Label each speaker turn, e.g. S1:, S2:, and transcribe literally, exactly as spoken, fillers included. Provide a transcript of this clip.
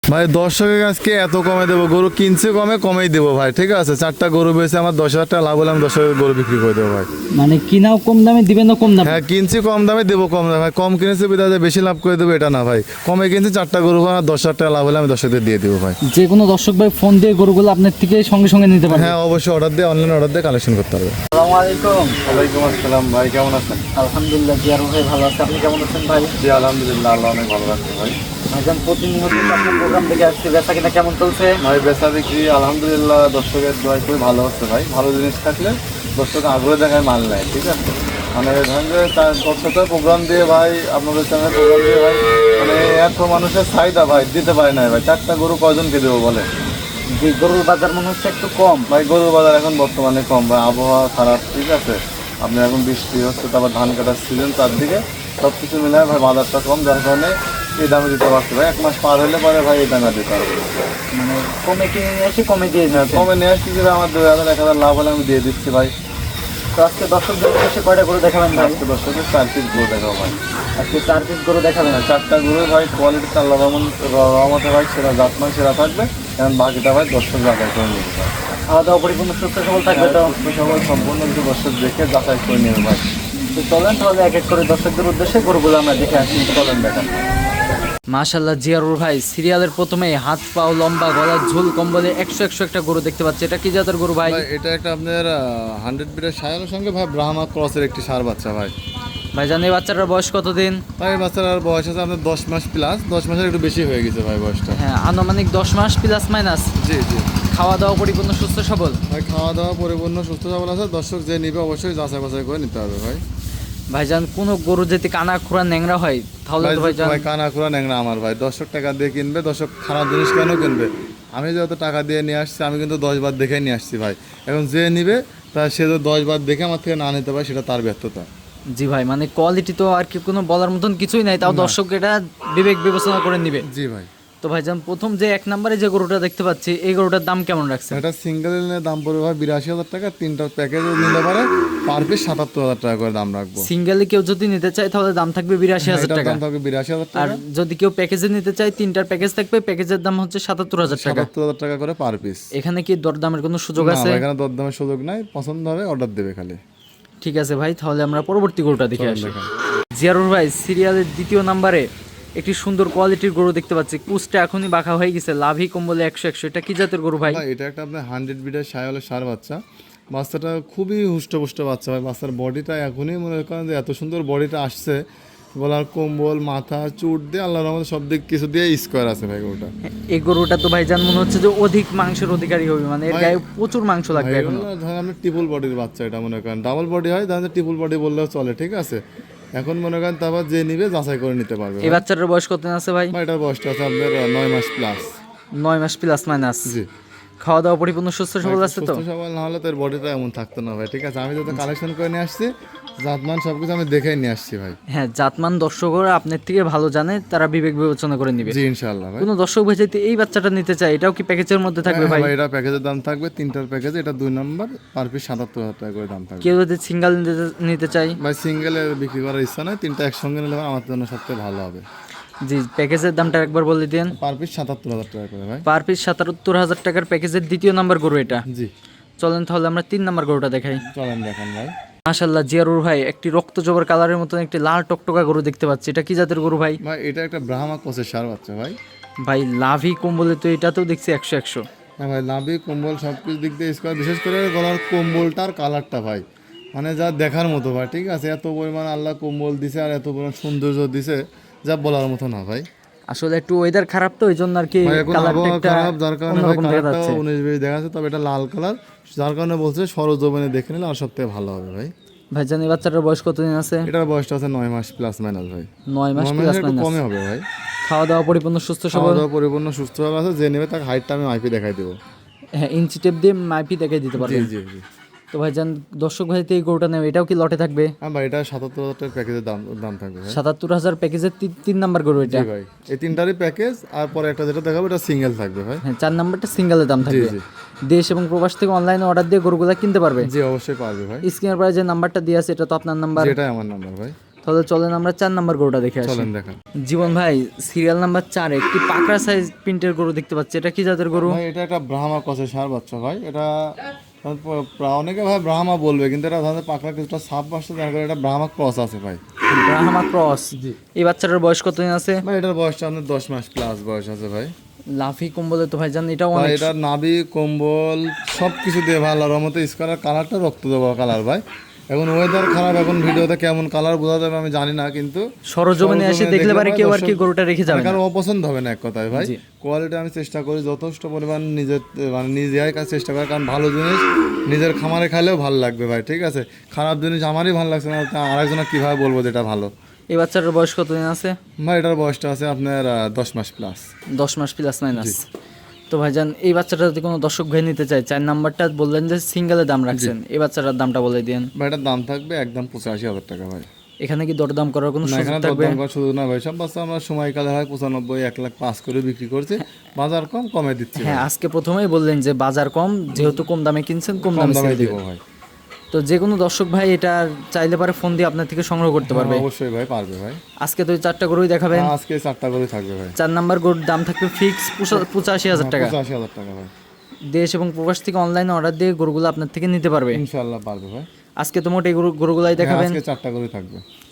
S1: ভাই দর্শকের আজকে এত কমে দেবো, গরু কিনছে কমে কমেই দেবো ভাই, ঠিক আছে। চারটা গরু বেছে আমার দশ হাজার টাকা লাভ হলে আমি দশ হাজার গরু বিক্রি করে দেবো ভাই।
S2: মানে কিনাও কম দামে দিবেন না কম দামে?
S1: হ্যাঁ, কিনছি কম দামে দেবো কম দামে ভাই। কম কিনেছে বিধায় বেশি লাভ করে দেবো এটা না ভাই। কমে কিনছি চারটা গরু, আমার দশ হাজার টাকা লাভ হলে আমি দশ হাজার দিয়ে দেবো ভাই।
S2: যে কোনো দর্শক ভাই ফোন দিয়ে গরুগুলো আপনার থেকে সঙ্গে সঙ্গে নিতে পারবে?
S1: হ্যাঁ অবশ্যই, অর্ডার দিয়ে অনলাইনে অর্ডার দিয়ে কালেকশন করতে হবে।
S2: আসসালামু আলাইকুম।
S1: ওয়ালাইকুম আসসালাম ভাই, কেমন আছেন?
S2: আলহামদুলিল্লাহ জিয়ারুল ভাই ভালো আছে, আপনি কেমন আছেন ভাই?
S1: জি আলহামদুলিল্লাহ, আল্লাহ অনেক ভালো রাখছে ভাই।
S2: ভাইজান প্রতিনিয়ত আপনার প্রোগ্রাম দেখে আসছি, বেচা কিনা কেমন চলছে?
S1: ভাই বেচা বিক্রি আলহামদুলিল্লাহ দর্শকের দোয়ায় খুবই ভালো হচ্ছে ভাই। ভালো জিনিস থাকলে দর্শক আগ্রহ দেখায় মাল নেয়, ঠিক আছে। মানে ধরেন যে তার দর্শকের প্রোগ্রাম দিয়ে ভাই, আপনাদের চ্যানেলের প্রোগ্রাম দিয়ে ভাই, মানে এত মানুষের চাহিদা ভাই, দিতে পারে না ভাই। চারটা গরু কয়জনকে দেবো বলে?
S2: যে গরুর বাজার মনে হচ্ছে একটু কম
S1: ভাই গরুর বাজার এখন বর্তমানে কম ভাই, আবহাওয়া খারাপ, ঠিক আছে। আপনি এখন বৃষ্টি হচ্ছে, তারপর ধান কাটার সিজন, চারদিকে সব কিছু মিলে ভাই বাজারটা কম, যার কারণে এই দামে দিতে পারছি ভাই। এক মাস পার হলে পরে ভাই এই দামে দিতে পারবো।
S2: মানে কমে কিনে নিয়ে এসে কমে দিয়ে দিচ্ছে।
S1: কমে নিয়ে আসছি যে আমার দুই হাজার এক হাজার লাভ হলে আমি দিয়ে দিচ্ছি ভাই।
S2: তো আজকে দর্শকদের উদ্দেশ্যে কয়টা গরু দেখাবেন ভাই?
S1: আজকে দর্শকের চার পিস গরু দেখাবো ভাই।
S2: আজকে চার পিস গরু দেখাবেন?
S1: চারটা গরু ভাই কোয়ালিটি আল্লাহ রহমান রহমতে ভাই সেরা জাতমান সেরা থাকবে, এখন বাকিটা ভাই দর্শক যাচাই করে নেবে ভাই।
S2: খাওয়া দাওয়া পরিপূর্ণ সুস্থ সবল থাকবে তো?
S1: সবাই সম্পূর্ণ কিছু দর্শক দেখে যাচাই করে নেবে ভাই।
S2: তো চলেন তাহলে এক এক করে দর্শকদের উদ্দেশ্যে গরুগুলো আমরা দেখে আসি। চলেন দেখা। মাশাল্লাহ জিয়ারুল ভাই, সিরিয়ালের প্রথমে হাত পাও লম্বা, গলার ঝোল কম্বলে একশো একশো একটা গরু দেখতে পাচ্ছি। এটা কি জাতের গরু ভাই?
S1: ভাই এটা একটা আপনার হান্ড্রেড বিটের সায়ালের সঙ্গে ভাই ব্রাহ্মা ক্রসের একটি সার বাচ্চা ভাই।
S2: ভাইজান এই বাচ্চাটার বয়স কতদিন?
S1: ভাই এই বাচ্চার বয়স আছে আপনার দশ মাস প্লাস, দশ মাসের একটু বেশি হয়ে গেছে ভাই বয়সটা।
S2: হ্যাঁ আনুমানিক দশ মাস প্লাস মাইনাস।
S1: জি জি
S2: খাওয়া দাওয়া পরিপূর্ণ সুস্থ সবল?
S1: ভাই খাওয়া দাওয়া পরিপূর্ণ সুস্থ সবল আছে। দর্শক যে নিবে অবশ্যই যাচাই বাছাই করে নিতে হবে ভাই।
S2: ভাইজান কোনো গরু যদি কানা খোঁড়া ন্যাংরা হয় তাহলে
S1: ভাই
S2: তো ভাইজান
S1: ভাই কানা খোলা ন্যাংরা আমার ভাই। দর্শক টাকা দিয়ে কিনবে, দর্শক খারাপ জিনিস কেন কিনবে? আমি যত টাকা দিয়ে নিয়ে আসছি, আমি কিন্তু দশ বার দেখে নিয়ে আসছি ভাই। এখন যে নিবে তা সে তো দশ বার দেখে আমার থেকে না নিতে পারে, সেটা তার ব্যর্থতা।
S2: জি ভাই, মানে কোয়ালিটি তো আর কি কোনো বলার মতন কিছুই নাই, তাও দর্শক এটা বিবেক বিবেচনা করে নিবে।
S1: জি ভাই।
S2: তো ভাইজান প্রথম যে এক নম্বরে যে গরুটা দেখতে পাচ্ছি, এই গরুটার দাম কেমন রাখছে?
S1: এটা সিঙ্গেল নিলে দাম পড়বে ভাই বিরাশি হাজার টাকা। তিনটার প্যাকেজ নিতে পারে পার পিস সাতাত্তর হাজার টাকা করে দাম রাখবো।
S2: সিঙ্গেলে কেউ যদি নিতে চায় তাহলে দাম থাকবে বিরাশি হাজার
S1: এটার
S2: টাকা।
S1: দাম থাকবে বিরাশি হাজার
S2: আর
S1: টাকা।
S2: যদি কেউ প্যাকেজে নিতে চায়, তিনটার প্যাকেজ থাকবে, প্যাকেজের দাম হচ্ছে সাতাত্তর হাজার টাকা।
S1: সাতাত্তর হাজার টাকা করে পার পিস।
S2: এখানে কি দরদামের কোনো সুযোগ
S1: না
S2: আছে?
S1: ভাই, এখানে দরদামের সুযোগ নাই, পছন্দ হবে অর্ডার দেবে খালি।
S2: ঠিক আছে ভাই, তাহলে আমরা পরবর্তী গরুটা দেখে
S1: চলেন
S2: আসি।
S1: দেখান।
S2: জিয়ারুল ভাই, সিরিয়ালের দ্বিতীয় নাম্বারে একটি সুন্দর কোয়ালিটির গরু দেখতে পাচ্ছি। কুচটা এখনই বাঁকা হয়ে গেছে, লাভি কম্বলে একশো একশো। এটা কি জাতের গরু ভাই?
S1: ভাই এটা একটা আপনার হান্ড্রেড বিটের সায়ালের সার বাচ্চা। বাচ্চাটা খুবই হুষ্টপুষ্ট বাচ্চা ভাই। বাচ্চার বডিটা এখনই মনে করেন যে এত সুন্দর বডিটা আসছে, গলার কম্বল মাথা চুট দিয়ে আল্লাহর রহমতে সব দিক কিছু দিয়ে স্কোয়ার আছে ভাই গরুটা।
S2: এই গরুটা তো ভাই জান মনে হচ্ছে যে অধিক মাংসের অধিকারী হবে, মানে এর
S1: ভাই,
S2: গায়ে প্রচুর মাংস লাগবে এখন।
S1: ধরেন আপনি ট্রিপল বডির বাচ্চা, এটা মনে করেন ডাবল বডি হয়, ধরেন ট্রিপল বডি বললেও চলে, ঠিক আছে। এখন মনে করেন তারপর যে নিবে যাচাই করে নিতে পারবে
S2: এই
S1: ভাই।
S2: বাচ্চাটার বয়স কত আছে ভাই?
S1: ভাই এটার বয়সটা আছে আপনার নয় মাস প্লাস।
S2: নয় মাস প্লাস মাইনাস।
S1: জি।
S2: খাওয়া দাওয়া পরিপূর্ণ সুস্থ সবল আছে তো?
S1: সুস্থ সবল না হলে তোর বডিটা এমন থাকতো না ভাই, ঠিক আছে। আমি যত কালেকশন করে নিয়ে আসছি, জাতমান সবকিছু আমি দেখেই নিয়ে আসছি ভাই।
S2: হ্যাঁ, জাতমান দর্শকরা আপনার থেকে ভালো জানে, তারা বিবেক বিবেচনা করে নিবে।
S1: জি ইনশাআল্লাহ ভাই।
S2: কোনো দর্শক ভাই যদি এই বাচ্চাটা নিতে চায়, এটাও কি প্যাকেজের মধ্যে থাকবে
S1: হ্যাঁ
S2: ভাই?
S1: ভাই, এটা প্যাকেজের দাম থাকবে তিনটার প্যাকেজ, এটা দুই নম্বর, পার পিস সাতাত্তর হাজার টাকা করে দাম থাকবে।
S2: কেউ যদি সিঙ্গেল নিতে চায়?
S1: ভাই সিঙ্গেলে বিক্রি করার ইচ্ছা নয়, তিনটা একসঙ্গে নিলে ভাই আমার জন্য সবচেয়ে ভালো হবে।
S2: জি, প্যাকেজের দামটা একবার বলে দিন।
S1: পার পিস সাতাত্তর হাজার টাকা করে ভাই।
S2: পার পিস সাতাত্তর হাজার টাকার প্যাকেজের দ্বিতীয় নাম্বার গরু এটা।
S1: জি
S2: চলেন তাহলে আমরা তিন নাম্বার গরুটা দেখাই।
S1: চলেন দেখান ভাই।
S2: মাশাল্লাহ জিয়ারুর ভাই, একটি রক্ত জবার কালারের মতন একটি লাল টকটকা গরু দেখতে পাচ্ছি। এটা কি জাতের গরু ভাই?
S1: ভাই এটা একটা ব্রাহ্মা কোচের সার বাচ্চা ভাই।
S2: ভাই লাভি কম্বলে তো এটাতেও দেখছি একশো একশো।
S1: হ্যাঁ ভাই, নাভি কম্বল সব কিছু দিক দিয়ে স্কোয়ার, বিশেষ করে গলার কম্বলটার কালারটা ভাই মানে যা দেখার মতো ভাই, ঠিক আছে। এত পরিমাণ আল্লাহ কম্বল দিছে আর এত পরিমাণ সৌন্দর্য দিছে, যা বলার মতো না ভাই।
S2: আসলে একটু ওয়েদার খারাপ তো, এই জন্য আর কি
S1: ভাই এখন
S2: কালারটা
S1: আবহাওয়া
S2: একটা
S1: খারাপ, যার কারণে ভাই
S2: অন্যরকম দেখা
S1: কালারটা
S2: যাচ্ছে।
S1: উনিশ বিশ দেখা যাচ্ছে, তবে এটা লাল কালার, যার কারণে বলছে সরজমিনে দেখে নিলে আর সবথেকে ভালো হবে ভাই।
S2: ভাইজান এই বাচ্চাটার বয়স কতদিন আছে?
S1: এটার বয়সটা আছে নয় মাস প্লাস মাইনাস ভাই।
S2: নয় মাস
S1: নয়
S2: প্লাস
S1: মাসের একটু
S2: মাইনাস।
S1: কমে হবে ভাই।
S2: খাওয়া দাওয়া পরিপূর্ণ সুস্থ
S1: খাওয়া
S2: সবল?
S1: দাওয়া পরিপূর্ণ সুস্থভাবে আছে, যে নেবে তার হাইটটা আমি মাইপে দেখাই দেবো।
S2: হ্যাঁ, ইঞ্চি টেপ দিয়ে মাইপি দেখাই দিতে
S1: জি
S2: পারবেন।
S1: জি জি।
S2: তো ভাইজান দর্শক ভাই তো এই গরুটা নেবে, এটাও কি লটে থাকবে?
S1: হ্যাঁ ভাই, এটা সাতাত্তর হাজার টাকার প্যাকেজের দাম দাম থাকবে ভাই।
S2: সাতাত্তর হাজার প্যাকেজের তিন তিন নাম্বার গরু এটা।
S1: জি ভাই, এই তিনটারই প্যাকেজ, আর পরে একটা যেটা দেখাবো এটা সিঙ্গেল থাকবে ভাই।
S2: হ্যাঁ, চার নাম্বারটা সিঙ্গেলের দাম থাকবে।
S1: জি।
S2: দেশ এবং প্রবাস থেকে অনলাইনে অর্ডার দিয়ে গরুগুলা কিনতে পারবে।
S1: জি অবশ্যই পারবে ভাই।
S2: স্ক্রিনের পরে যে নাম্বারটা দিয়ে আছে এটা তো আপনার নাম্বার।
S1: যেটাই আমার নাম্বার ভাই।
S2: তাহলে চলেন আমরা চার নাম্বার গরুটা দেখে আসি।
S1: চলেন দেখেন
S2: জীবন ভাই সিরিয়াল নাম্বার চার একটি পাকড়া সাইজ প্রিন্টের গরু দেখতে পাচ্ছি, এটা কি জাতের গরু?
S1: ভাই এটা একটা ব্রাহ্মা কষে সার বাচ্চা ভাই, এটা প্রা- অনেকে ভাই ব্রাহ্মা বলবে, কিন্তু এটা ধারণা পাকড়া কিছুটা সাপ আসছে, যার কারণে এটা ব্রাহ্মা ক্রস আছে ভাই।
S2: ব্রাহ্মা ক্রস। এই বাচ্চাটার বয়স কতদিন আছে?
S1: ভাই এটার বয়সটা আপনার দশ মাস প্লাস বয়স আছে ভাই।
S2: লাফি কম্বলে তো ভাই জান এটা
S1: ভাই
S2: অনেক
S1: এটার নাভি কম্বল সব কিছু দিয়ে ভালো, আর মতো স্কালার কালারটা রক্ত দেওয়া কালার ভাই। এখন ওয়েদার খারাপ, এখন ভিডিওতে কেমন কালার বোঝা যাবে আমি জানি না, কিন্তু
S2: সরজমিনে এসে দেখলে পারে
S1: ভাই
S2: কেউ আর কি
S1: দর্শক-
S2: গরুটা রেখে যাবে না।
S1: কারণ অপছন্দ হবে না এক কথায় ভাই।
S2: জি।
S1: কোয়ালিটি আমি চেষ্টা করি যথেষ্ট পরিমাণ নিজের মানে নিজেরাই কাছে চেষ্টা করি, কারণ ভালো জিনিস নিজের খামারে খাইলেও ভালো লাগবে ভাই, ঠিক আছে। খারাপ জিনিস আমারই ভালো লাগছে না, তা আরেকজনের কীভাবে বলবো যে এটা ভালো।
S2: এই বাচ্চাটার বয়স কতদিন আছে?
S1: ভাই এটার বয়সটা আছে আপনার আহ, দশ মাস প্লাস।
S2: দশ মাস প্লাস মাইনাস। তো ভাইজান এই বাচ্চাটা যদি কোনো দর্শক ভাই নিতে চায়, চার নাম্বারটা বললেন যে সিঙ্গেলের দাম রাখছেন, এই বাচ্চাটার দামটা বলে দিন।
S1: ভাই এটার দাম থাকবে একদম পঁচাশি হাজার টাকা ভাই।
S2: এখানে কি দরদাম করার কোনো
S1: না
S2: সুযোগ
S1: এখানে
S2: থাকবে?
S1: দরদাম করার সুযোগ না ভাই, সব বাচ্চা আমরা সময়কালে হয় পঁচানব্বই এক লাখ পাঁচ করে বিক্রি করছি, বাজার কম কমে দিচ্ছি ভাই।
S2: হ্যাঁ, আজকে প্রথমেই বললেন যে বাজার কম, যেহেতু কম দামে কিনছেন কম
S1: কম
S2: দামে
S1: দামে
S2: ছেড়ে
S1: দিব
S2: দিবেন।
S1: ভাই।
S2: তো যে কোনো দর্শক ভাই এটা চাইলে পারে ফোন দিয়ে আপনার থেকে সংগ্রহ করতে পারবে।
S1: হ্যাঁ, অবশ্যই ভাই পারবে ভাই।
S2: আজকে তো এই চারটা গরুই দেখাবেন।
S1: হ্যাঁ, আজকে চারটা করে থাকবে ভাই।
S2: চার নাম্বার গরুর দাম থাকবে ফিক্স পঁচাশি হাজার টাকা।
S1: পঁচাশি হাজার টাকা ভাই।
S2: দেশ এবং প্রবাস থেকে অনলাইনে অর্ডার দিয়ে গরুগুলো আপনার থেকে নিতে পারবে।
S1: ইনশাল্লাহ পারবে ভাই।
S2: আজকে তো মোট এই গরু গরুগুলাই
S1: হ্যাঁ,
S2: দেখাবেন।
S1: আজকে চারটা করে থাকবে।